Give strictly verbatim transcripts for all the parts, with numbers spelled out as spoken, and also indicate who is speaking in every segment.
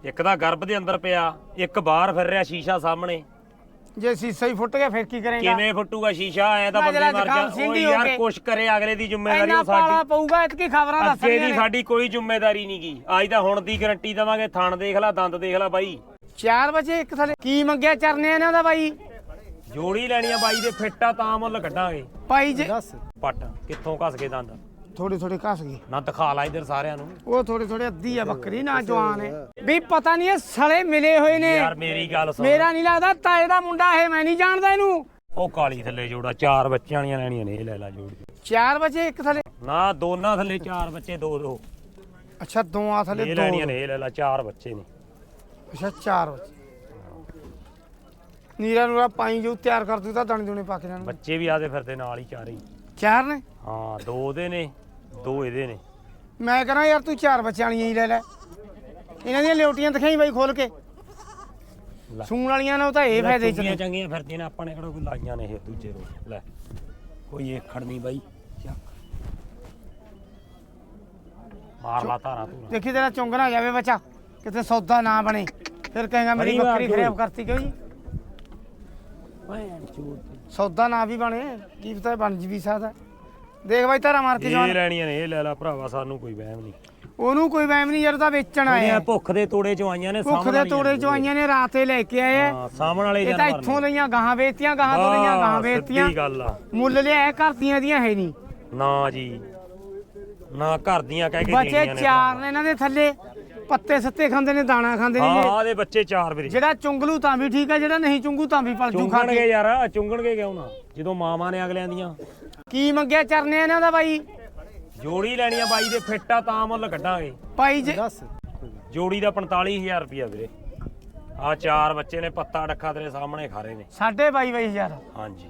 Speaker 1: ਇੱਕ ਤਾਂ ਗਰਭ ਦੇ ਅੰਦਰ ਪਿਆ, ਇੱਕ ਬਾਹਰ ਫਿਰ ਰਿਹਾ ਸ਼ੀਸ਼ਾ ਸਾਹਮਣੇ।
Speaker 2: ਜੇ ਸੀਸਾ ਹੀ ਫੁੱਟ ਗਿਆ ਫਿਰ ਕੀ ਕਰੇਗਾ?
Speaker 1: ਕਿਵੇਂ ਫੁੱਟੂਗਾ ਸ਼ੀਸ਼ਾ? ਐ ਤਾਂ ਬੰਦੇ ਮਰ ਜਾ। ਓ ਯਾਰ ਕੁਛ ਕਰੇ, ਅਗਲੇ ਦੀ ਜ਼ਿੰਮੇਵਾਰੀ ਉਹ ਸਾਡੀ।
Speaker 2: ਪਾਲਾ ਪਊਗਾ ਇਤਕੀ ਖਬਰਾਂ ਦੱਸ
Speaker 1: ਅੱਗੇ ਦੀ ਸਾਡੀ ਕੋਈ ਜ਼ਿੰਮੇਵਾਰੀ ਨਹੀਂ ਗੀ। ਅੱਜ ਤਾਂ ਹੁਣ ਦੀ ਗਰੰਟੀ ਦਵਾਂਗੇ। ਥਣ ਦੇਖ ਲੈ, ਦੰਦ ਦੇਖ ਲੈ ਬਾਈ।
Speaker 2: ਚਾਰ ਵਜੇ ਇੱਕ ਥਲੇ ਕੀ ਮੰਗਿਆ ਚਰਨੇ ਇਹਨਾਂ ਦਾ ਬਾਈ?
Speaker 1: ਜੋੜੀ ਲੈਣੀ ਆ ਬਾਈ ਦੇ, ਫਿੱਟਾ ਤਾਂ ਮੁੱਲ ਕੱਢਾਂਗੇ
Speaker 2: ਭਾਈ ਜੇ
Speaker 1: ਪੱਟ ਕਿੱਥੋਂ ਘਸ ਕੇ ਦੰਦ
Speaker 2: ਥੋੜੀ ਥੋੜੀ ਘਸ ਗਈ
Speaker 1: ਨਾ, ਦਿਖਾ ਲਾ ਇਧਰ ਸਾਰਿਆਂ ਨੂੰ।
Speaker 2: ਉਹ ਥੋੜੇ ਥੋੜੇ ਅੱਧੀ ਆ ਬੱਕਰੀ, ਨਾ ਜਵਾਨ ਹੈ ਵੀ ਪਤਾ ਨਹੀਂ ਇਹ ਸਲੇ ਮਿਲੇ ਹੋਏ ਨੇ।
Speaker 1: ਯਾਰ ਮੇਰੀ ਗੱਲ ਸੁਣ,
Speaker 2: ਮੇਰਾ ਨਹੀਂ ਲੱਗਦਾ ਤਾਏ ਦਾ ਮੁੰਡਾ ਇਹ, ਮੈਂ ਨਹੀਂ ਜਾਣਦਾ ਇਹਨੂੰ।
Speaker 1: ਉਹ ਕਾਲੀ ਥੱਲੇ ਜੋੜਾ, ਚਾਰ ਬੱਚਿਆਂ ਵਾਲੀਆਂ ਲੈਣੀਆਂ ਨੇ, ਇਹ ਲੈ ਲੈ ਜੋੜੀ।
Speaker 2: ਚਾਰ ਵਜੇ ਇੱਕ ਥਲੇ
Speaker 1: ਨਾ, ਦੋਨਾਂ ਥੱਲੇ ਚਾਰ ਬੱਚੇ, ਦੋ ਦੋ।
Speaker 2: ਅੱਛਾ ਦੋਆਂ ਥਲੇ
Speaker 1: ਇਹ
Speaker 2: ਦੋ
Speaker 1: ਲੈਣੀਆਂ ਨੇ, ਇਹ ਲੈ ਲੈ, ਚਾਰ ਬੱਚੇ ਨੇ।
Speaker 2: ਅੱਛਾ ਚਾਰ ਵਜੇ ਨੀਰਾ ਨੂਰਾ ਪਾਈ ਜੋ ਤਿਆਰ ਕਰ ਦੂ ਤਾਂ ਦਾਣੇ ਦੂਣੇ ਪਾ ਕੇ ਜਾਣ।
Speaker 1: ਬੱਚੇ ਵੀ ਆਦੇ ਫਿਰਦੇ ਨਾਲ ਹੀ, ਚਾਰੇ ਹੀ।
Speaker 2: ਚਾਰ ਨੇ?
Speaker 1: ਹਾਂ, ਦੋ ਉਹਦੇ ਨੇ, ਦੋ ਇਹਦੇ ਨੇ।
Speaker 2: ਮੈਂ ਕਹਿੰਦਾ ਯਾਰ ਤੂੰ ਚਾਰ ਬੱਚਿਆਂ ਵਾਲੀਆਂ ਹੀ ਲੈ ਲੈ। ਇਹਨਾਂ ਦੀਆਂ ਲਿਓਟੀਆਂ ਦਿਖਾਈ ਬਾਈ ਖੋਲ ਕੇ। ਸੂਣ ਵਾਲੀਆਂ ਨੇ ਉਹ ਤਾਂ ਇਹ ਫਾਇਦੇ ਚ ਨੇ।
Speaker 1: ਚੰਗੀਆਂ ਫਿਰਦੀਆਂ ਨੇ, ਆਪਾਂ ਨੇ ਕਿਹੜਾ ਕੋਈ ਲਾਈਆਂ ਨੇ ਇਹ ਦੂਜੇ ਰੋਜ਼। ਲੈ ਕੋਈ ਇਹ ਖੜਨੀ ਬਾਈ, ਮਾਰ ਲਾ ਧਾਰਾ ਤੂੰ।
Speaker 2: ਦੇਖੀ ਤੇਰਾ ਚੁੰਗ ਨਾ ਜਾਵੇ ਬੱਚਾ, ਕਿਤੇ ਸੌਦਾ ਨਾ ਬਣੇ, ਫਿਰ ਕਹੇਗਾ ਮੇਰੀ ਬੱਕਰੀ ਖਰਾਬ ਕਰਤੀ ਕਿਉਂ ਜੀ? ਸੌਦਾ ਨਾ ਵੀ ਬਣੇ, ਕੀ ਪਤਾ ਬਣ ਜੀ ਵੀ ਸਕਦਾ। ਦੇਖ ਬਾਈ ਧਾਰਾ ਮਾਰ ਕੇ
Speaker 1: ਇਹ ਲੈਣੀਆਂ ਨੇ, ਇਹ ਲੈ ਲੈ ਭਰਾਵਾ, ਸਾਨੂੰ ਕੋਈ ਵਹਿਮ ਨਹੀਂ।
Speaker 2: ਉਹਨੂੰ ਕੋਈ ਵਹਿਮ ਨਹੀਂ ਯਾਰ, ਤਾਂ ਵੇਚਣ ਆਏ ਆ।
Speaker 1: ਭੁੱਖ ਦੇ ਤੋੜੇ ਚੋਂ ਆਈਆਂ ਨੇ,
Speaker 2: ਭੁੱਖ ਦੇ ਤੋੜੇ ਚੋਂ ਆਈਆਂ ਨੇ, ਰਾਤੇ ਲੈ ਕੇ ਆਏ ਆ।
Speaker 1: ਸਾਹਮਣ ਵਾਲੇ
Speaker 2: ਇਹ ਤਾਂ ਇੱਥੋਂ ਲਈਆਂ ਗਾਹਾਂ ਵੇਚਤੀਆਂ, ਗਾਹਾਂ ਤੋਂ ਲਈਆਂ ਗਾਹਾਂ ਵੇਚਤੀਆਂ।
Speaker 1: ਸਿੱਧੀ ਗੱਲ ਆ।
Speaker 2: ਮੁੱਲ ਲਿਆ ਘਰਦੀਆਂ ਦੀਆਂ ਹੈ ਨਹੀਂ
Speaker 1: ਨਾ ਜੀ ਨਾ, ਘਰ ਦੀਆਂ ਕਹਿ ਕੇ
Speaker 2: ਬੱਚੇ ਚਾਰ ਨੇ ਇਹਨਾਂ ਦੇ ਥੱਲੇ, ਪੱਤੇ ਸੱਤੇ ਖਾਂਦੇ ਨੇ, ਦਾਣਾ ਖਾਂਦੇ ਨੇ।
Speaker 1: ਹਾਂ ਦੇ ਬੱਚੇ ਚਾਰ ਵੀਰੇ।
Speaker 2: ਜਿਹੜਾ ਚੁੰਗਲੂ ਤਾਂ ਵੀ ਠੀਕ ਹੈ, ਜਿਹੜਾ ਨਹੀਂ ਚੁੰਗੂ ਤਾਂ ਵੀ ਪਲਜੂ ਖਾ
Speaker 1: ਚੁੰਗਣਗੇ ਯਾਰ, ਚੁੰਗਣਗੇ ਕਿਉਂ ਨਾ, ਜਦੋਂ ਮਾਵਾਂ ਨੇ ਅਗਲਿਆਂ ਦੀਆਂ।
Speaker 2: ਕੀ ਮੰਗਿਆ ਚਰਨੇ ਇਹਨਾਂ ਦਾ ਬਾਈ?
Speaker 1: ਜੋੜੀ ਲੈਣੀ ਆ ਬਾਈ ਦੇ, ਫਿੱਟਾ ਤਾਂ ਮੁੱਲ ਕੱਢਾਂਗੇ
Speaker 2: ਭਾਈ ਜੇ
Speaker 1: ਜੋੜੀ ਦਾ ਪੰਤਾਲੀ ਹਜ਼ਾਰ ਰੁਪਇਆ ਵੀਰੇ। ਆ ਚਾਰ ਬੱਚੇ ਨੇ, ਪੱਤਾ ਡੱਖਾ ਤੇਰੇ ਸਾਹਮਣੇ ਖਾ ਰਹੇ ਨੇ।
Speaker 2: ਸਾਢੇ ਬਾਈ ਬਾਈ ਹਜ਼ਾਰ
Speaker 1: ਹਾਂਜੀ,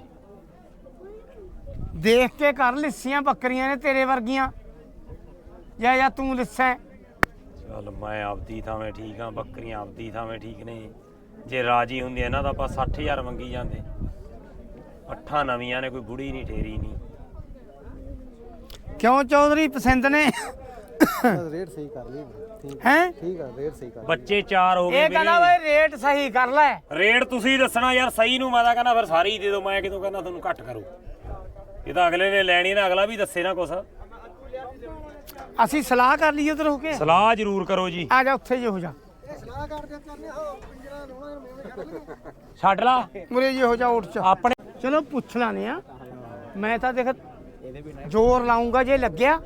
Speaker 2: ਦੇਖ ਕੇ ਕਰ ਲਿੱਸੀਆਂ ਬੱਕਰੀਆਂ ਨੇ ਤੇਰੇ ਵਰਗੀਆਂ, ਜਾਂ ਜਾਂ ਤੂੰ ਲਿੱਸਾ।
Speaker 1: ਚੱਲ ਮੈਂ ਆਪਦੀ ਥਾਵੇਂ ਠੀਕ ਆ, ਬੱਕਰੀਆਂ ਆਪਦੀ ਥਾਵੇਂ ਠੀਕ ਨੇ। ਜੇ ਰਾਜੀ ਹੁੰਦੇ ਇਹਨਾਂ ਦਾ ਆਪਾਂ ਸੱਠ ਹਜ਼ਾਰ ਮੰਗੀ ਜਾਂਦੇ। ਅੱਠਾਂ ਨਵੀਆਂ ਨੇ, ਕੋਈ ਬੁੜੀ ਨਹੀਂ ਠੇਰੀ ਨਹੀਂ।
Speaker 2: ਕਿਉਂ ਚੌਧਰੀ ਪਸੰਦ ਨੇ?
Speaker 3: ਰੇਟ ਸਹੀ ਕਰ ਲਈ ਠੀਕ
Speaker 2: ਹੈ।
Speaker 3: ਠੀਕ ਆ, ਰੇਟ ਸਹੀ ਕਰ।
Speaker 1: ਬੱਚੇ ਚਾਰ ਹੋ ਗਏ
Speaker 2: ਇਹ ਕਹਿੰਦਾ ਓਏ ਰੇਟ ਸਹੀ ਕਰ ਲੈ।
Speaker 1: ਰੇਟ ਤੁਸੀਂ ਦੱਸਣਾ ਯਾਰ, ਸਹੀ ਨੂੰ ਮੈਂ ਤਾਂ ਕਹਿੰਦਾ ਫਿਰ ਸਾਰੀ ਦੇ ਦਿਓ। ਮੈਂ ਕਿਦੋਂ ਕਹਿੰਦਾ ਤੁਹਾਨੂੰ ਘੱਟ ਕਰੋ। ਇਹ ਤਾਂ ਅਗਲੇ ਨੇ ਲੈਣੀ ਨਾ, ਅਗਲਾ ਵੀ ਦੱਸੇ ਨਾ ਕੁਛ।
Speaker 2: ਅਸੀਂ ਸਲਾਹ ਕਰ ਲਈਏ ਉਧਰ ਹੋ ਕੇ।
Speaker 1: ਸਲਾਹ ਜ਼ਰੂਰ ਕਰੋ ਜੀ।
Speaker 2: ਆ ਜਾ ਉੱਥੇ ਜੇ ਹੋ ਜਾ,
Speaker 3: ਸਲਾਹ ਕਰਦੇ ਕਰਨੇ ਹੋ ਪਿੰਜਰਾ ਨੂੰ
Speaker 1: ਛੱਡ ਲਾ
Speaker 2: ਮੁਰੇ ਜੇ ਹੋ ਜਾ ਉੱਠ ਚ।
Speaker 1: ਆਪਣੇ।
Speaker 2: ਚਲੋ ਪੁੱਛ ਲਾਨੇ ਆ, ਮੈਂ ਤਾਂ ਦੇਖ ਜ਼ੋਰ ਲਾਉਂਗਾ ਜੇ ਲੱਗਿਆ,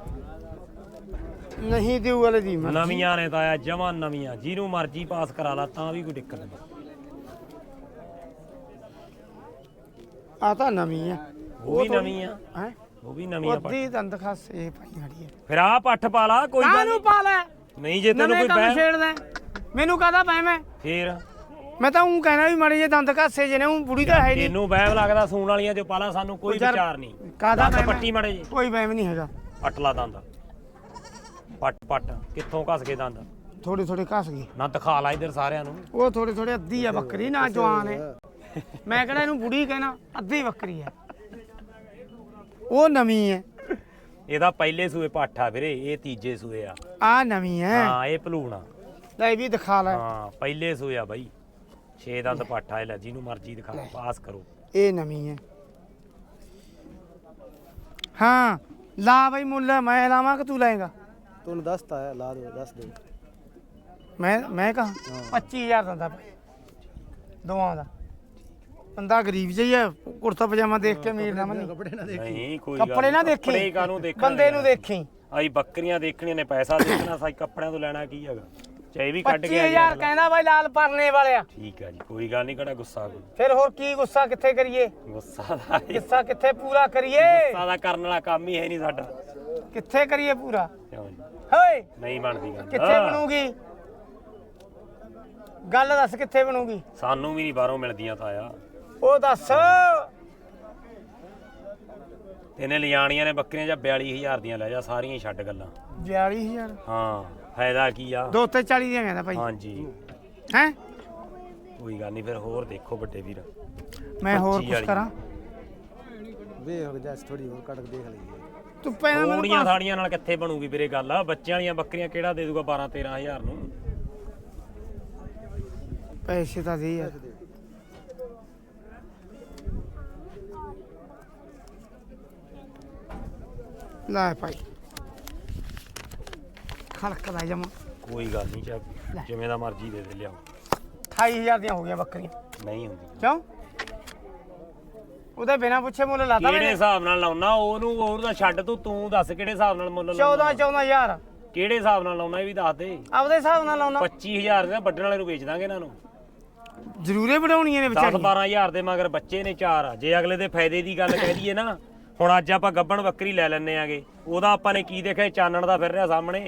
Speaker 2: ਨਹੀਂ ਦਿਊ ਵਾਲੇ ਦੀ ਮਰਜ਼ੀ।
Speaker 1: ਨਵੀਆਂ ਨੇ ਤਾਂ ਆ ਜਮਾਂ ਨਵੀਆਂ, ਜਿਹਨੂੰ ਮਰਜ਼ੀ ਪਾਸ ਕਰਾ ਲਾ ਤਾਂ ਵੀ ਕੋਈ ਦਿੱਕਤ ਨਹੀਂ।
Speaker 2: ਆ ਤਾਂ ਨਵੀਂ ਆ,
Speaker 1: ਉਹ ਵੀ ਨਵੀਂ ਆ,
Speaker 2: ਹੈ
Speaker 1: ਉਹ ਵੀ ਨਵੀਂ ਆ।
Speaker 2: ਅੱਧੀ ਦੰਦ ਖਾਸ ਇਹ ਪਾਈ ਖੜੀ ਹੈ।
Speaker 1: ਫਿਰ ਆ ਪੱਠ ਪਾ ਲਾ, ਕੋਈ ਗੱਲ
Speaker 2: ਕਾਹਨੂੰ ਪਾ ਲੈ?
Speaker 1: ਨਹੀਂ। ਜੇ ਤੈਨੂੰ
Speaker 2: ਨਵੇਂ
Speaker 1: ਕੋਈ
Speaker 2: ਕੰਮ
Speaker 1: ਬਹਿ
Speaker 2: ਛੇੜਦਾ ਮੈਨੂੰ ਕਾਹਦਾ ਬਹਿਮ ਹੈ?
Speaker 1: ਫੇਰ
Speaker 2: ਮੈਂ ਤਾਂ ਉਹ ਕਹਿਣਾ ਵੀ ਮਾੜੇ ਜੇ ਦੰਦ ਘਾਸੇ ਜਿਹਨੇ ਉਹ ਬੁੜੀ ਤਾਂ ਹੈ ਨਹੀਂ।
Speaker 1: ਤੈਨੂੰ ਵਹਿਮ ਲੱਗਦਾ ਸੂਣ ਵਾਲੀਆਂ ਜੋ ਪਾਲਾ, ਸਾਨੂੰ ਕੋਈ ਵਿਚਾਰ ਨਹੀਂ।
Speaker 2: ਕਾਹਦਾ
Speaker 1: ਦੰਦ ਪੱਟੀ ਮਾੜੇ ਜੀ,
Speaker 2: ਕੋਈ ਵਹਿਮ ਨਹੀਂ ਹੈਗਾ।
Speaker 1: ਪੱਟ ਲਾ ਦੰਦ, ਪੱਟ ਪੱਟ ਕਿੱਥੋਂ ਘਸ ਕੇ ਦੰਦ
Speaker 2: ਥੋੜੀ ਥੋੜੀ ਘਸ ਗਈ।
Speaker 1: ਨਾ, ਦਿਖਾ ਲਾ ਇਧਰ ਸਾਰਿਆਂ ਨੂੰ।
Speaker 2: ਉਹ ਥੋੜੀ ਥੋੜੀ ਅੱਧੀ ਆ ਬੱਕਰੀ, ਨਾ ਜਵਾਨ ਹੈ। ਮੈਂ ਕਿਹੜਾ ਇਹਨੂੰ ਬੁੜੀ ਕਹਿਣਾ, ਅੱਧੀ ਬੱਕਰੀ ਹੈ। ਉਹ ਨਵੀਂ ਹੈ।
Speaker 1: ਇਹਦਾ ਪਹਿਲੇ ਸੂਏ ਪੱਠ ਆ ਵੀਰੇ, ਇਹ ਤੀਜੇ ਸੂਏ ਆ।
Speaker 2: ਆ ਨਵੀਂ ਹੈ।
Speaker 1: ਹਾਂ, ਇਹ ਭਲੂਣਾ।
Speaker 2: ਲੈ ਇਹ ਵੀ ਦਿਖਾ ਲੈ।
Speaker 1: ਹਾਂ, ਪਹਿਲੇ ਸੂਏ ਆ ਬਾਈ। ਛੇ ਦੰਦ ਪੱਠ ਆ, ਲੈ ਜਿਹਨੂੰ ਮਰਜ਼ੀ ਦਿਖਾ, ਪਾਸ ਕਰੋ।
Speaker 2: ਇਹ ਨਵੀਂ ਹੈ। ਹਾਂ ਲਾ ਬਾਈ ਮੁੱਲ, ਮੈਂ ਲਾਵਾਂ ਕਿ ਤੂੰ ਲਾਏਗਾ?
Speaker 3: ਤੂੰ ਦੱਸਤਾ ਹੈ, ਲਾ ਦੇ, ਦੱਸ ਦੇ।
Speaker 2: ਮੈਂ ਮੈਂ ਕਹਾਂ ਪੱਚੀ ਹਜ਼ਾਰ ਦਿੰਦਾ ਭਾਈ ਦੋਵਾਂ ਦਾ। ਬੰਦਾ ਗਰੀਬ ਜਿਹਾ ਹੀ ਹੈ, ਕੁੜਤਾ ਪਜਾਮਾ ਦੇਖ ਕੇ ਅਮੀਰ ਨਾ ਮੰਨੀ।
Speaker 3: ਕੱਪੜੇ ਨਾ ਦੇਖ।
Speaker 1: ਨਹੀਂ ਕੋਈ ਗੱਲ
Speaker 2: ਕੱਪੜੇ ਨਾ ਦੇਖੀ,
Speaker 1: ਕੱਪੜੇ ਕਾਹਨੂੰ ਦੇਖਣੇ,
Speaker 2: ਬੰਦੇ ਨੂੰ ਦੇਖੀ।
Speaker 1: ਆਈ ਬੱਕਰੀਆਂ ਦੇਖਣੀਆਂ ਨੇ, ਪੈਸਾ ਦੇਖਣਾ, ਸਾਈ ਕੱਪੜਿਆਂ ਤੋਂ ਲੈਣਾ ਕੀ ਹੈਗਾ। ਚਾਹੇ ਵੀ ਕੱਢ
Speaker 2: ਪੱਚੀ
Speaker 1: ਕੇ
Speaker 2: ਹਜ਼ਾਰ ਕਹਿੰਦਾ ਬਾਈ ਲਾਲ ਪਰਨੇ ਵਾਲਿਆ।
Speaker 1: ਠੀਕ ਆ ਜੀ, ਕੋਈ ਗੱਲ ਨਹੀਂ, ਕਿਹੜਾ ਗੁੱਸਾ ਕੋਈ।
Speaker 2: ਫਿਰ ਹੋਰ ਕੀ ਗੁੱਸਾ ਕਿੱਥੇ ਕਰੀਏ?
Speaker 1: ਗੁੱਸਾ ਦਾ
Speaker 2: ਗੁੱਸਾ ਕਿੱਥੇ ਪੂਰਾ ਕਰੀਏ?
Speaker 1: ਗੁੱਸਾ ਦਾ ਕਰਨ ਵਾਲਾ ਕੰਮ ਹੀ ਹੈ ਨਹੀਂ ਸਾਡਾ।
Speaker 2: ਕਿੱਥੇ ਕਰੀਏ ਪੂਰਾ?
Speaker 1: ਕਿਉਂ ਜੀ,
Speaker 2: ਹੋਏ
Speaker 1: ਨਹੀਂ ਬਣਦੀ ਗੱਲ।
Speaker 2: ਕਿੱਥੇ ਬਣੂਗੀ ਗੱਲ? ਦੱਸ ਕਿੱਥੇ ਬਣੂਗੀ?
Speaker 1: ਸਾਨੂੰ ਵੀ ਨਹੀਂ ਬਾਹਰੋਂ ਮਿਲਦੀਆਂ ਤਾਂ ਆ।
Speaker 2: ਉਹ ਦੱਸ।
Speaker 1: ਇਹਨੇ ਲਿਜਾਣੀਆਂ ਨੇ ਬੱਕਰੀਆਂ ਜਾਂ ਬਿਆਲੀ ਹਜ਼ਾਰ ਦੀਆਂ ਲੈ ਜਾ, ਸਾਰੀਆਂ ਹੀ ਛੱਡ ਗੱਲਾਂ।
Speaker 2: ਬਿਆਲੀ ਹਜ਼ਾਰ
Speaker 1: ਹਾਂ, ਫਾਇਦਾ ਕੀ ਆ?
Speaker 2: ਦੋ ਤੇ ਚਾਲੀ ਦੀਆਂ ਕਹਿੰਦਾ ਭਾਈ।
Speaker 1: ਹਾਂਜੀ,
Speaker 2: ਹੈ
Speaker 1: ਕੋਈ ਗੱਲ ਨਹੀਂ, ਫਿਰ ਹੋਰ ਦੇਖੋ ਵੱਡੇ ਵੀਰ।
Speaker 2: ਮੈਂ ਹੋਰ ਕੁਝ ਕਰਾਂ?
Speaker 3: ਵੇ ਹੋ ਜਾ, ਥੋੜੀ ਹੋਰ ਕੱਟ ਕੇ ਦੇਖ ਲਈਏ।
Speaker 2: ਤੂੰ ਪਹਿਲਾਂ
Speaker 1: ਥੋੜੀਆਂ ਥਾੜੀਆਂ ਨਾਲ ਕਿੱਥੇ ਬਣੂਗੀ ਵੀਰੇ ਗੱਲ? ਬੱਚਿਆਂ ਵਾਲੀਆਂ ਬੱਕਰੀਆਂ ਕਿਹੜਾ ਦੇ ਦੂਗਾ ਬਾਰਾਂ ਤੇਰਾਂ ਹਜ਼ਾਰ ਨੂੰ?
Speaker 2: ਪੈਸੇ ਤਾਂ ਦੇ ਯਾਰ ਲੈ ਭਾਈ ਖੜਕਦਾ ਜਮਾ
Speaker 1: ਕੋਈ ਗੱਲ ਨਹੀਂ ਚਾ ਜਿਵੇਂ ਦਾ ਮਰਜ਼ੀ ਦੇ ਦੇ ਲਿਆਓ
Speaker 2: ਅਠਾਈ ਹਜ਼ਾਰ ਦੀਆਂ ਹੋ ਗਈਆਂ ਬੱਕਰੀਆਂ
Speaker 1: ਨਹੀਂ ਹੁੰਦੀ
Speaker 2: ਕਿਉਂ ਉਹਦੇ ਬਿਨਾ ਪੁੱਛੇ ਮੁੱਲ ਲਾਤਾ
Speaker 1: ਕਿਹੜੇ ਹਿਸਾਬ ਨਾਲ ਲਾਉਣਾ ਉਹਨੂੰ ਉਹਦਾ ਛੱਡ ਤੂੰ ਤੂੰ ਦੱਸ ਕਿਹੜੇ ਹਿਸਾਬ ਨਾਲ ਮੁੱਲ ਲਾਉਣਾ
Speaker 2: ਚੌਦਾਂ ਚੌਦਾਂ ਹਜ਼ਾਰ
Speaker 1: ਕਿਹੜੇ ਹਿਸਾਬ ਨਾਲ ਲਾਉਣਾ ਇਹ ਵੀ ਦੱਸ ਦੇ
Speaker 2: ਆਪਦੇ ਹਿਸਾਬ ਨਾਲ ਲਾਉਣਾ
Speaker 1: ਪੱਚੀ ਹਜ਼ਾਰ ਦੇ ਵੱਢਣ ਵਾਲੇ ਨੂੰ ਵੇਚ ਦਾਂਗੇ ਇਹਨਾਂ ਨੂੰ
Speaker 2: ਜ਼ਰੂਰੇ ਵਧਾਉਣੀਆਂ ਨੇ
Speaker 1: ਦਸ
Speaker 2: ਵਿਚਾਰੀ
Speaker 1: ਬਾਰਾਂ ਹਜ਼ਾਰ ਦੇ ਮਗਰ ਬੱਚੇ ਨੇ ਚਾਰ ਆ ਜੇ ਅਗਲੇ ਦੇ ਫਾਇਦੇ ਦੀ ਗੱਲ ਕਹਿ ਦਈਏ ਨਾ ਹੁਣ ਅੱਜ ਆਪਾਂ ਗੱਬਣ ਬੱਕਰੀ ਲੈ ਲੈਣੇ ਆਗੇ ਉਹਦਾ ਆਪਾਂ ਨੇ ਕੀ ਦੇਖਿਆ ਚਾਨਣ ਦਾ ਫਿਰ ਰਿਹਾ ਸਾਹਮਣੇ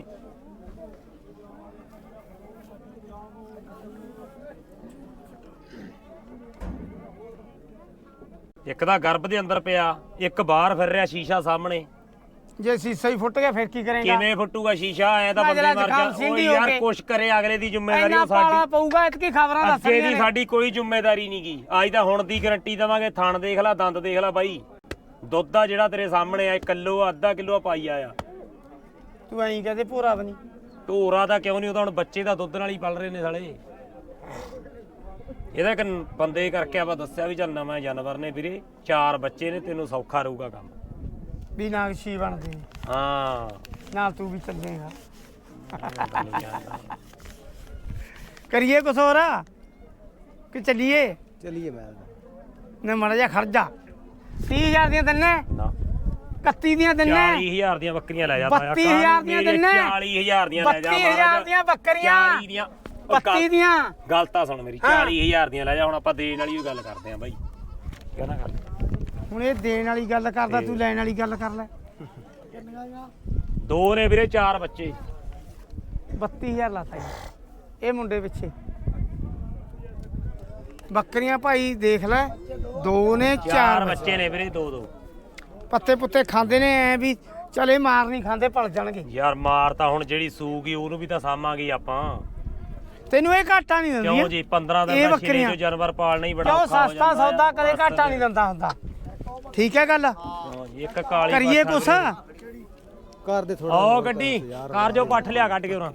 Speaker 1: ਇੱਕ ਤਾਂ ਗਰਭ ਦੇ ਅੰਦਰ ਪਿਆ ਇੱਕ ਬਾਹਰ ਫਿਰ ਰਿਹਾ ਸ਼ੀਸ਼ਾ ਸਾਹਮਣੇ
Speaker 2: ਜੇ ਸੀਸਾ ਹੀ ਫੁੱਟ ਗਿਆ ਫਿਰ ਕੀ ਕਰੇਗਾ
Speaker 1: ਕਿਵੇਂ ਫੁੱਟੂਗਾ ਸ਼ੀਸ਼ਾ ਐ ਤਾਂ
Speaker 2: ਮੈਂ
Speaker 1: ਬੰਦੇ
Speaker 2: ਜਰਾ
Speaker 1: ਮਰ
Speaker 2: ਜ਼ੁਕਾਮ
Speaker 1: ਜਾ
Speaker 2: ਸਿੰਧੀ
Speaker 1: ਉਹ
Speaker 2: ਹੋ
Speaker 1: ਯਾਰ
Speaker 2: ਕੇ।
Speaker 1: ਕੁਛ ਕਰੇ ਅਗਲੇ ਦੀ ਜ਼ਿੰਮੇਵਾਰੀ
Speaker 2: ਇੰਨਾ
Speaker 1: ਉਹ
Speaker 2: ਪਾਲਾ
Speaker 1: ਸਾਡੀ
Speaker 2: ਪਊਗਾ ਇਤਕੀ ਖਬਰਾਂ
Speaker 1: ਅੱਗੇ
Speaker 2: ਦੱਸਣੀਆਂ
Speaker 1: ਦੀ
Speaker 2: ਨੇ
Speaker 1: ਸਾਡੀ ਕੋਈ ਜ਼ਿੰਮੇਵਾਰੀ ਨਹੀਂ ਗੀ ਅੱਜ ਤਾਂ ਹੁਣ ਦੀ ਗਾਰੰਟੀ ਦਵਾਂਗੇ ਥਣ ਦੇਖ ਲੈ ਦੰਦ ਦੇਖ ਲੈ ਬਾਈ ਦੁੱਧ ਆ ਜਿਹੜਾ ਤੇਰੇ ਸਾਹਮਣੇ ਆ ਕਿਲੋ ਅੱਧਾ ਕਿਲੋ ਪਾਈ ਆਇਆ
Speaker 2: ਤੂੰ ਐਂ ਕਹਦੇ ਭੋਰਾ ਬਣੀ
Speaker 1: ਢੋਰਾ ਦਾ ਕਿਉਂ ਨਹੀਂ ਉਹ ਤਾਂ ਹੁਣ ਬੱਚੇ ਦਾ ਦੁੱਧ ਨਾਲ ਹੀ ਪਲ ਰਹੇ ਨੇ ਸਾਲੇ ਇਹਦਾ ਇੱਕ ਬੰਦੇ ਕਰਕੇ ਆਪਾਂ ਦੱਸਿਆ ਵੀ ਚੱਲ ਨਵਾਂ ਜਾਨਵਰ ਨੇ ਵੀਰੇ ਚਾਰ ਬੱਚੇ ਨੇ ਤੈਨੂੰ ਸੌਖਾ ਰਹੂਗਾ ਕੰਮ
Speaker 2: ਵੀ ਨਾਗਸ਼ੀ ਬਣਦੇ ਨੇ
Speaker 1: ਹਾਂ
Speaker 2: ਨਾਲ ਤੂੰ ਵੀ ਚੱਲ ਜਾਏਗਾ ਕਰੀਏ ਕੁਛ ਹੋਰ ਕਿ ਚੱਲੀਏ
Speaker 3: चलिए मैं
Speaker 2: ਨੇ ਮੜਾ ਜਾ ਖਰਜਾ ਤੀਹ ਹਜ਼ਾਰ ਦੀਆਂ ਦਿੰਨੇ
Speaker 1: ਨਾ
Speaker 2: ਇਕੱਤੀ ਦੀਆਂ ਦਿੰਨੇ
Speaker 1: ਚਾਲੀ ਹਜ਼ਾਰ ਦੀਆਂ ਬੱਕਰੀਆਂ ਲੈ ਜਾ
Speaker 2: ਬੱਤੀ ਹਜ਼ਾਰ ਦੀਆਂ ਦਿੰਨੇ
Speaker 1: ਚਾਲੀ ਹਜ਼ਾਰ ਦੀਆਂ ਲੈ ਜਾ
Speaker 2: ਬੱਤੀ ਹਜ਼ਾਰ ਦੀਆਂ ਬੱਕਰੀਆਂ
Speaker 1: ਚਾਲੀ ਦੀਆਂ ਉਹ
Speaker 2: ਬੱਤੀ
Speaker 1: ਗੱਲ-
Speaker 2: ਦੀਆਂ
Speaker 1: ਗੱਲ ਤਾਂ ਸੁਣ ਮੇਰੀ ਚਾਲੀ ਹਜ਼ਾਰ ਦੀਆਂ ਲੈ ਜਾ ਹੁਣ ਆਪਾਂ ਦੇਣ ਵਾਲੀ ਗੱਲ ਕਰਦੇ ਆਂ ਬਾਈ ਕਹਿੰਦਾ ਗੱਲ
Speaker 2: ਹੁਣ ਇਹ ਦੇਣ ਵਾਲੀ ਗੱਲ ਕਰਦਾ ਤੂੰ ਲੈਣ ਵਾਲੀ ਗੱਲ ਕਰ ਲੈ
Speaker 1: ਦੋ ਨੇ ਵੀਰੇ ਚਾਰ ਬੱਚੇ
Speaker 2: ਬੱਤੀ ਹਜ਼ਾਰ ਲਾਤਾ ਜੀ ਇਹ ਮੁੰਡੇ ਪਿੱਛੇ ਬੱਕਰੀਆਂ ਭਾਈ ਦੇਖ ਲੈ ਦੋ ਨੇ
Speaker 1: ਚਾਰ
Speaker 2: ਚਾਰ
Speaker 1: ਬੱਚੇ ਨੇ ਵੀਰੇ ਦੋ ਦੋ
Speaker 2: ਪੱਤੇ ਪੁੱਤੇ ਖਾਂਦੇ ਨੇ ਐ ਵੀ ਚਲੇ ਮਾਰ ਨਹੀਂ ਖਾਂਦੇ ਪਲ ਜਾਣਗੇ
Speaker 1: ਯਾਰ ਮਾਰ ਤਾਂ ਹੁਣ ਜਿਹੜੀ ਸੂਗੀ ਉਹਨੂੰ ਵੀ ਤਾਂ ਸਾਮਾਂਗੇ ਆਪਾਂ
Speaker 2: ਤੈਨੂੰ ਇਹ ਘਾਟਾ ਨਹੀਂ ਦਿੰਦੀ
Speaker 1: ਕਿਉਂ ਜੀ ਪੰਦਰਾਂ
Speaker 2: ਇਹ
Speaker 1: ਦਿਨ ਦਾ
Speaker 2: ਬੱਕਰੀਆਂ।
Speaker 1: ਛੇ ਜੋ ਜਾਨਵਰ ਪਾਲਣਾ ਹੀ ਬੜਾ
Speaker 2: ਕਿਉਂ
Speaker 1: ਔਖਾ ਹੋ
Speaker 2: ਸਸਤਾ
Speaker 1: ਜਾਂਦਾ
Speaker 2: ਸੌਦਾ
Speaker 1: ਆ।
Speaker 2: ਕਦੇ ਘਾਟਾ ਨਹੀਂ ਦਿੰਦਾ ਹੁੰਦਾ ਠੀਕ ਹੈ ਗੱਲ
Speaker 1: ਹਾਂ ਜੀ, ਇੱਕ ਕਾਲੀ
Speaker 2: ਕਰੀਏ
Speaker 1: ਪੱਠਾ
Speaker 2: ਕੁਛ
Speaker 1: ਵੀਰੇ।
Speaker 3: कर दे थोड़ा
Speaker 1: ਆਓ ਗੱਡੀ ਕਾਰ ਜੋ ਪੱਠ ਲਿਆ ਕੱਢ ਕੇ ਉਹਨਾਂ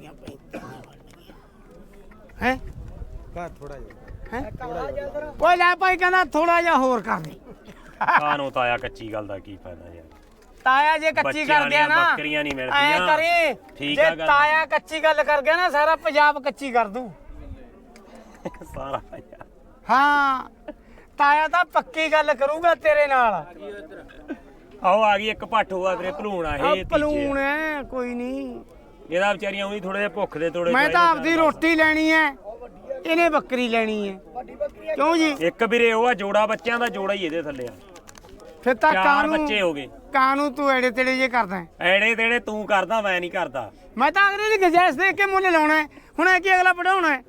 Speaker 2: ਹੈ
Speaker 3: कर थोड़ा ही
Speaker 2: ਹੈ ਓਏ ਲੈ ਭਾਈ ਕਹਿੰਦਾ ਥੋੜਾ ਜਿਹਾ ਹੋਰ ਕਰ ਦੇ
Speaker 1: ਕਾਨੂੰ ਤਾਇਆ ਕੱਚੀ ਗੱਲ ਦਾ ਕੀ ਫਾਇਦਾ ਯਾਰ
Speaker 2: ਤਾਇਆ ਜੇ ਕੱਚੀ
Speaker 1: ਬੱਚਿਆਂ
Speaker 2: ਕਰ ਗਿਆ
Speaker 1: ਵਾਲੀਆਂ
Speaker 2: ਨਾ
Speaker 1: ਬੱਕਰੀਆਂ ਨਹੀਂ
Speaker 2: ਐ
Speaker 1: ਮਿਲਦੀਆਂ
Speaker 2: ਕਰੀ
Speaker 1: ਠੀਕ
Speaker 2: ਜੇ
Speaker 1: ਆ ਗੱਲ।
Speaker 2: ਤਾਇਆ ਕੱਚੀ ਗੱਲ ਕਰ ਗਿਆ ਨਾ ਸਾਰਾ ਪੰਜਾਬ ਕੱਚੀ ਕਰ ਦੂ
Speaker 1: ਸਾਰਾ ਯਾਰ
Speaker 2: ਹਾਂ ਤਾਇਆ ਤਾਂ ਪੱਕੀ ਗੱਲ ਕਰੂਗਾ ਤੇਰੇ ਨਾਲ
Speaker 1: ਆਓ ਆ ਗਈ ਇੱਕ ਪੱਠ ਹੋਆ ਵੀਰੇ ਭਲੂਣ ਆ
Speaker 2: ਆ
Speaker 1: ਇਹ ਤੀਜੇ
Speaker 2: ਪਲੂਣ ਐ ਕੋਈ ਨਹੀਂ
Speaker 1: ਇਹਦਾ ਵਿਚਾਰੀਆਂ ਉਹੀ ਥੋੜੇ ਜਿਹਾ ਭੁੱਖ ਦੇ ਤੋੜੇ
Speaker 2: ਮੈਂ ਤਾਂ ਆਪਦੀ ਰੋਟੀ ਲੈਣੀ ਐ ਇਹਨੇ ਬੱਕਰੀ ਲੈਣੀ ਐ ਕਿਉਂ ਜੀ
Speaker 1: ਇੱਕ ਵੀਰੇ ਉਹ ਆ ਜੋੜਾ ਬੱਚਿਆਂ ਦਾ ਜੋੜਾ ਹੀ ਇਹਦੇ ਥੱਲੇ ਆ
Speaker 2: ਫਿਰ ਤਾਂ
Speaker 1: ਚਾਰ
Speaker 2: ਕਾਨੂੰ
Speaker 1: ਬੱਚੇ ਹੋ ਗਏ
Speaker 2: ਕਾਨੂੰ ਤੂੰ ਐੜੇ ਤੇੜੇ ਜੇ ਕਰਦਾ ਹੈ।
Speaker 1: ਐੜੇ ਤੇੜੇ ਤੂੰ ਕਰਦਾ ਮੈਂ ਨਹੀਂ ਕਰਦਾ
Speaker 2: ਮੈਂ ਤਾਂ ਅਗਲੇ ਦੀ ਗੁੰਜਾਇਸ਼ ਦੇਖ ਕੇ ਮੁੱਲ ਲਾਉਣਾ ਹੈ। ਹੁਣ ਐ ਕੀ ਅਗਲਾ ਵਧਾਉਣਾ ਹੈ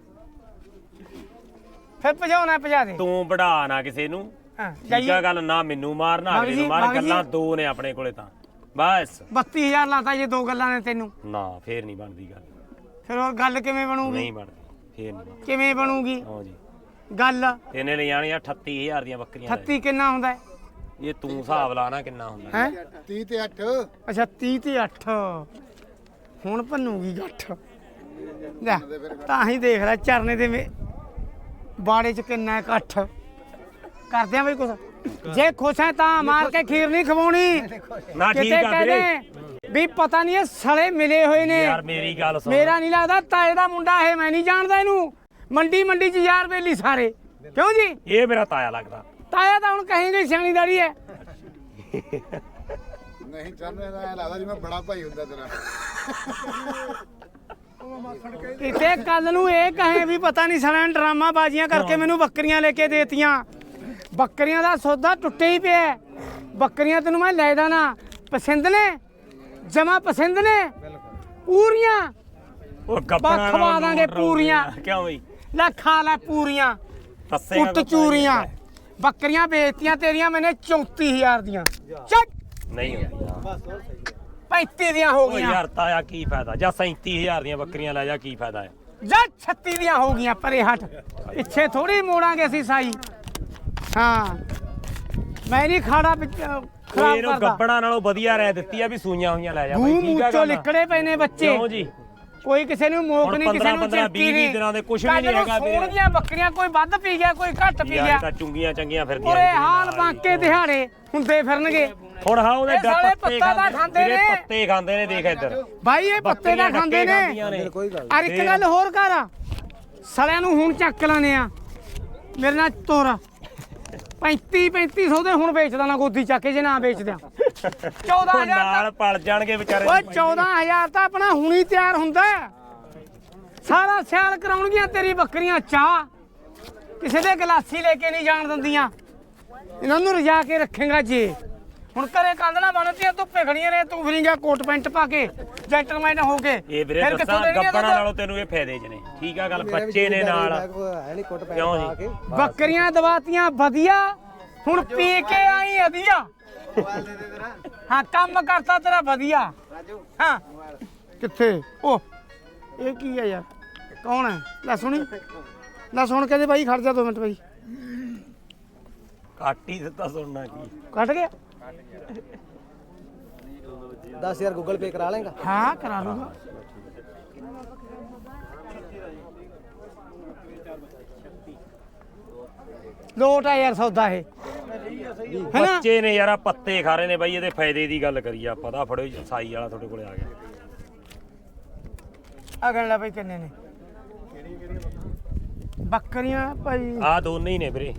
Speaker 2: ਫਿਰ ਭਜਾਉਣਾ ਭਜਾ ਦੇ
Speaker 1: ਤੂੰ ਵੜਾ ਨਾ ਕਿਸੇ ਨੂੰ
Speaker 2: ਹਾਂ
Speaker 1: ਠੀਕ ਆ
Speaker 2: ਜਾਈਏ
Speaker 1: ਗੱਲ ਨਾ ਮੈਨੂੰ ਮਾਰ ਨਾ
Speaker 2: ਬਾਬੂ
Speaker 1: ਅਗਲੇ
Speaker 2: ਜੀ,
Speaker 1: ਨੂੰ ਮਾਰ
Speaker 2: ਬਾਬੂ ਜੀ।
Speaker 1: ਗੱਲਾਂ ਦੋ ਨੇ ਆਪਣੇ ਕੋਲੇ ਤਾਂ ਬਸ
Speaker 2: ਬੱਤੀ ਹਜ਼ਾਰ ਲਾਤਾ ਜੇ ਦੋ ਗੱਲਾਂ ਨੇ ਤੈਨੂੰ
Speaker 1: ਨਾ ਫੇਰ ਨਹੀਂ ਬਣਦੀ ਗੱਲ
Speaker 2: ਫਿਰ ਹੋਰ ਗੱਲ ਕਿਵੇਂ ਬਣੂਗੀ
Speaker 1: ਨਹੀਂ ਬਣਦੀ ਫੇਰ ਨਹੀਂ ਬਣਦੀ
Speaker 2: ਕਿਵੇਂ ਬਣੂਗੀ
Speaker 1: ਹਾਂ ਜੀ
Speaker 2: ਗੱਲ
Speaker 1: ਇਹਨੇ ਲੈ ਜਾਣੀਆਂ ਅਠੱਤੀ ਹਜ਼ਾਰ ਦੀਆਂ ਬੱਕਰੀਆਂ ਲੈ
Speaker 2: ਅਠੱਤੀ ਕਿੰਨਾ ਹੁੰਦਾ ਹੈ
Speaker 1: ਜਾ। ਇਹ ਤੂੰ ਹਿਸਾਬ ਲਾ ਨਾ ਕਿੰਨਾ ਹੁੰਦਾ
Speaker 2: ਹੈ
Speaker 3: तीस ते अठ
Speaker 2: ਅੱਛਾ ਤੀਹ ਤੇ ਅੱਠ ਹੁਣ ਭੰਨੂਗੀ ਗੱਠ ਲੈ ਤਾਂ ਹੀ ਦੇਖ ਲੈ ਚਰਨੇ ਦੇ ਮੇ- ਬਾੜੇ ਚ ਕਿੰਨਾ ਇਕੱਠ ਕਰਦੇ ਆ ਬਈ ਕੁਛ ਜੇ ਖੁਸ਼ ਹੈ ਤਾਂ ਮਾਰ ਕੇ ਖੀਰ ਨਹੀਂ ਖਵਾਉਣੀ
Speaker 1: ਨਾ ਠੀਕ
Speaker 2: ਕਿਤੇ
Speaker 1: ਆ ਵੀਰੇ
Speaker 2: ਕਹਿੰਦੇ ਵੀ ਪਤਾ ਨਹੀਂ ਇਹ ਸਲੇ ਮਿਲੇ ਹੋਏ ਨੇ
Speaker 1: ਯਾਰ ਮੇਰੀ ਗੱਲ ਸੁਣ
Speaker 2: ਮੇਰਾ ਨਹੀਂ ਲੱਗਦਾ ਤਾਏ ਦਾ ਮੁੰਡਾ ਇਹ ਮੈਂ ਨਹੀਂ ਜਾਣਦਾ ਇਹਨੂੰ ਮੰਡੀ ਮੰਡੀ ਚ ਯਾਰ ਬੇਲੀ ਸਾਰੇ ਕਿਉਂ ਜੀ
Speaker 1: ਇਹ ਮੇਰਾ ਤਾਇਆ ਲੱਗਦਾ
Speaker 2: ਤਾਇਆ ਤਾਂ ਹੁਣ ਕਹੇਂਗੇ ਸਿਆਣੀ ਦਾੜੀ ਹੈ
Speaker 3: नहीं चल रहा है लगदा जिवें बड़ा भाई हुंदा तेरा
Speaker 2: ਕਿਤੇ ਕੱਲ ਨੂੰ ਇਹ ਕਹੇ ਵੀ ਪਤਾ ਨਹੀਂ ਸਾਲਿਆਂ ਨੇ ਡਰਾਮਾ ਬਾਜ਼ੀਆਂ ਕਰਕੇ ਮੈਨੂੰ ਬੱਕਰੀਆਂ ਲੈ ਕੇ ਦੇਤੀਆਂ ਬੱਕਰੀਆਂ ਦਾ ਸੌਦਾ ਟੁੱਟੇ ਹੀ ਪਿਆ ਹੈ। ਬੱਕਰੀਆਂ ਤੈਨੂੰ ਮੈਂ ਲੈ ਦਾਂ ਪਸੰਦ ਨੇ ਜਮਾ ਪਸੰਦ ਨੇ ਪੂਰੀਆਂ
Speaker 1: ਉਹ ਗੱਪਣਾ
Speaker 2: ਖਵਾ ਦਾਂਗੇ ਪੂਰੀਆਂ।
Speaker 1: ਕਿਉਂ ਬਈ
Speaker 2: ਲੈ ਖਾ ਲੈ ਪੂਰੀਆਂ
Speaker 1: ਦੱਸੇਗਾ
Speaker 2: ਉੱਟ ਚੂਰੀਆਂ ਬੱਕਰੀਆਂ ਵੇਚਤੀਆਂ ਤੇਰੀਆਂ ਮੈਨੇ ਚੌਂਤੀ ਹਜ਼ਾਰ ਦੀਆਂ ਚੱਕ
Speaker 1: ਨਹੀਂ ਹੁੰਦੀ
Speaker 2: ਪੈਂਤੀ ਦੀਆਂ ਹੋ
Speaker 1: ਓ
Speaker 2: ਗਈਆਂ
Speaker 1: ਯਾਰ ਤਾਇਆ ਕੀ ਫਾਇਦਾ ਜਾਂ ਸੈਂਤੀ ਹਜ਼ਾਰ ਦੀਆਂ ਬੱਕਰੀਆਂ ਲੈ ਜਾ ਕੀ ਫਾਇਦਾ ਹੈ
Speaker 2: ਜਾਂ ਛੱਤੀ ਦੀਆਂ ਹੋ ਗਈਆਂ ਪਰੇ ਹਟ ਪਿੱਛੇ ਥੋੜੀ ਮੋੜਾਂਗੇ ਅਸੀਂ ਸਾਈ ਹਾਂ ਮੈਂ ਨਹੀਂ ਖਾੜਾ ਵਿੱਚ ਅਹ, ਖਰਾਬ
Speaker 1: ਇਹਨੂੰ
Speaker 2: ਕਰਦਾ
Speaker 1: ਗੱਬਣਾ ਨਾਲੋਂ ਵਧੀਆ ਰਹਿ ਦਿੱਤੀ ਆ ਵੀ ਸੂਈਆਂ ਹੋਈਆਂ ਲੈ ਜਾ
Speaker 2: ਮੂੰਹ
Speaker 1: ਬਈ ਠੀਕ ਆ
Speaker 2: ਮੂੰਚੋਂ
Speaker 1: ਗੱਲ
Speaker 2: ਲਿਕੜੇ ਪਏ ਨੇ ਬੱਚੇ
Speaker 1: ਕਿਉਂ ਜੀ
Speaker 2: ਕੋਈ ਕਿਸੇ ਨੂੰ ਮੋਕ
Speaker 1: ਹੁਣ
Speaker 2: ਨਹੀਂ ਕਿਸੇ
Speaker 1: ਪੰਦਰਾਂ
Speaker 2: ਨੂੰ
Speaker 1: ਪੰਦਰਾਂ
Speaker 2: ਚਿੱਤੀ
Speaker 1: ਵੀਹ
Speaker 2: ਨਹੀਂ
Speaker 1: ਦਿਨਾਂ ਦੇ ਕੁਛ ਵੀ ਨਹੀਂ
Speaker 2: ਕੱਲ੍ਹ ਨੂੰ
Speaker 1: ਹੈਗਾ ਵੀਰੇ।
Speaker 2: ਸੋਹਣੀਆਂ ਬੱਕਰੀਆਂ ਕੋਈ ਵੱਧ ਪੀ ਗਿਆ ਕੋਈ ਘੱਟ ਪੀ
Speaker 1: ਯਾਰ
Speaker 2: ਗਿਆ
Speaker 1: ਇਹ ਤਾਂ ਚੁੰਗੀਆਂ ਚੰਗੀਆਂ ਫਿਰਦੀਆਂ
Speaker 2: ਪੂਰੇ
Speaker 1: ਨੇ ਤੇਰੇ
Speaker 2: ਹਾਲ
Speaker 1: ਨਾਲ ਹੀ।
Speaker 2: ਬਾਂਕੇ ਦਿਹਾੜੇ ਹੁੰਦੇ ਫਿਰਨਗੇ
Speaker 1: ਹੁਣ ਹਾਂ ਉਹਦੇ
Speaker 2: ਇਹ
Speaker 1: ਡ-
Speaker 2: ਸਾਲੇ
Speaker 1: ਪੱਤੇ
Speaker 2: ਪੱਤਾ ਦਾ ਖਾਂਦੇ
Speaker 1: ਵੀਰੇ
Speaker 2: ਨੇ।
Speaker 1: ਪੱਤੇ ਖਾਂਦੇ ਨੇ ਦੇਖ ਇੱਧਰ
Speaker 2: ਬਾਈ ਇਹ ਪੱਤੇ ਦਾ
Speaker 1: ਬੱਕਰੀਆਂ
Speaker 2: ਖਾਂਦੇ
Speaker 1: ਡੱਕੇ
Speaker 2: ਨੇ
Speaker 1: ਖਾਂਦੀਆਂ ਨੇ।
Speaker 3: ਕੋਈ ਗੱਲ
Speaker 2: ਅਰ ਇੱਕ ਗੱਲ ਹੋਰ ਕਰ ਸਲਿਆਂ ਨੂੰ ਹੁਣ ਚੱਕ ਲਾਨੇ ਆ ਮੇਰੇ ਨਾਲ ਤੁਰ ਪੈਂਤੀ ਪੈਂਤੀ ਸੌ ਦੇ ਹੁਣ ਵੇਚਦਾ ਨਾ ਗੋਦੀ ਚੱਕ ਕੇ ਜੇ ਨਾ ਵੇਚਦਿਆਂ ਚੌਦਾਂ
Speaker 1: ਉਹ
Speaker 2: ਹਜ਼ਾਰ
Speaker 1: ਨਾਲ ਪਲ ਜਾਣਗੇ ਵਿਚਾਰੇ
Speaker 2: ਓਏ ਚੌਦਾਂ ਹਜ਼ਾਰ ਤਾਂ ਆਪਣਾ ਹੁਣੀ ਤਿਆਰ ਹੁੰਦਾ ਹੈ। ਸਾਰਾ ਸਿਆਲ ਕਰਾਉਣਗੀਆਂ ਤੇਰੀ ਬੱਕਰੀਆਂ ਚਾਹ ਕਿਸੇ ਦੇ ਗਲਾਸੀ ਲੈ ਕੇ ਨਹੀਂ ਜਾਣ ਦਿੰਦੀਆਂ ਇਹਨਾਂ ਨੂੰ ਰਜਾ ਕੇ ਰੱਖੇਗਾ ਜੇ ਹੁਣ ਘਰੇ ਕੰਧਣਾ ਬਣਦੀਆਂ ਧੁੱਪੇ ਖੜੀਆਂ ਨੇ ਤੂੰ ਫਿਰਿੰਗਾ ਕੋਟ ਪੈਂਟ ਪਾ ਕੇ ਜੈਂਟਲਮੈਨ ਹੋ ਕੇ
Speaker 1: ਇਹ ਵੀਰੇ
Speaker 2: ਫਿਰ ਕਿੱਥੋਂ
Speaker 1: ਦੱਸਾਂ
Speaker 2: ਦੇਣਗੀਆਂ
Speaker 1: ਗੱਬਣਾ
Speaker 2: ਦੁੱਧ?
Speaker 1: ਨਾਲੋਂ ਤੈਨੂੰ ਇਹ ਫਾਇਦੇ ਚ ਨੇ ਠੀਕ ਆ ਗੱਲ ਬੱਚੇ ਨੇ ਨਾਲ
Speaker 3: ਹੈ ਨਹੀਂ ਕੋਟ
Speaker 1: ਕਿਉਂ ਜੀ?
Speaker 3: ਪਾ ਕੇ
Speaker 2: ਬੱਕਰੀਆਂ ਦਵਾਤੀਆਂ ਵਧੀਆ ਹੁਣ ਪੀ ਕੇ ਆਈ ਵਧੀਆ ਹਾਂ ਕੰਮ ਕਰਤਾ ਤੇਰਾ ਵਧੀਆ ਹਾਂ ਕਿੱਥੇ ਉਹ ਇਹ ਕੀ ਆ ਯਾਰ ਕੌਣ ਹੈ ਲੈ ਸੁਣੀ ਲੈ ਸੁਣ ਕੇ ਦੇ ਬਾਈ ਖੜ ਜਾ ਦੋ ਮਿੰਟ ਬਾਈ
Speaker 1: ਘੱਟ ਹੀ ਦਿੱਤਾ ਸੁਣਨਾ ਕੀ
Speaker 2: ਕੱਟ ਗਿਆ
Speaker 3: दस हज़ार गूगल पे करा लेगा
Speaker 2: ਹਾਂ ਕਰਾ ਲੂਗਾ ਲੋਟ ਆ ਯਾਰ ਸੌਦਾ ਇਹ ਹੈਨਾ
Speaker 1: ਬੱਚੇ ਨੇ ਯਾਰ ਆ ਪੱਤੇ ਖਾ ਰਹੇ ਨੇ ਬਾਈ ਇਹਦੇ ਫਾਇਦੇ ਦੀ ਗੱਲ ਕਰੀਏ ਆਪਾਂ ਤਾਂ ਫੜੋ ਜੀ, ਸਾਈ ਵਾਲਾ ਤੁਹਾਡੇ ਕੋਲੇ ਆ ਗਿਆ
Speaker 2: ਅਗਣ ਲੈ ਬਈ ਕਿੰਨੇ ਨੇ ਬੱਕਰੀਆਂ ਭਾਈ
Speaker 1: ਆ ਦੋਨੇ ਹੀ ਨੇ ਵੀਰੇ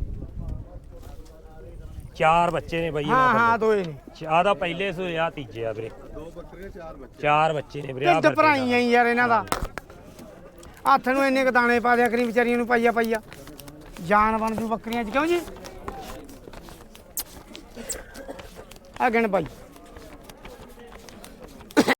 Speaker 1: ਚਾਰ ਬੱਚੇ ਨੇ ਬਾਈ
Speaker 2: ਹਾਂ
Speaker 1: ਇਹਨਾਂ
Speaker 2: ਹਾਂ ਦੋਏ ਨੇ
Speaker 1: ਕੋਲ ਆ ਤਾਂ ਪਹਿਲੇ ਸੋਏ ਆ ਤੀਜੇ ਆ ਵੀਰੇ ਦੋ ਬੱਕਰੇ ਚਾਰ ਬੱਚੇ ਚਾਰ ਬੱਚੇ ਨੇ ਵੀਰੇ ਆ
Speaker 2: ਢਿੱਡ ਭਰਾਈਆਂ ਹੀ ਯਾਰ ਇਹਨਾਂ ਦਾ ਹੱਥ ਨੂੰ ਇੰਨੇ ਕ ਦਾਣੇ ਪਾ ਦਿਆ ਕਰੀ ਵਿਚਾਰੀਆਂ ਨੂੰ ਪਾਈਆ ਪਾਈਆ ਜਾਨ ਬਣ ਜੂ ਬੱਕਰੀਆਂ ਚ ਕਿਉਂ ਜੀ ਅਗਣ ਬਾਈ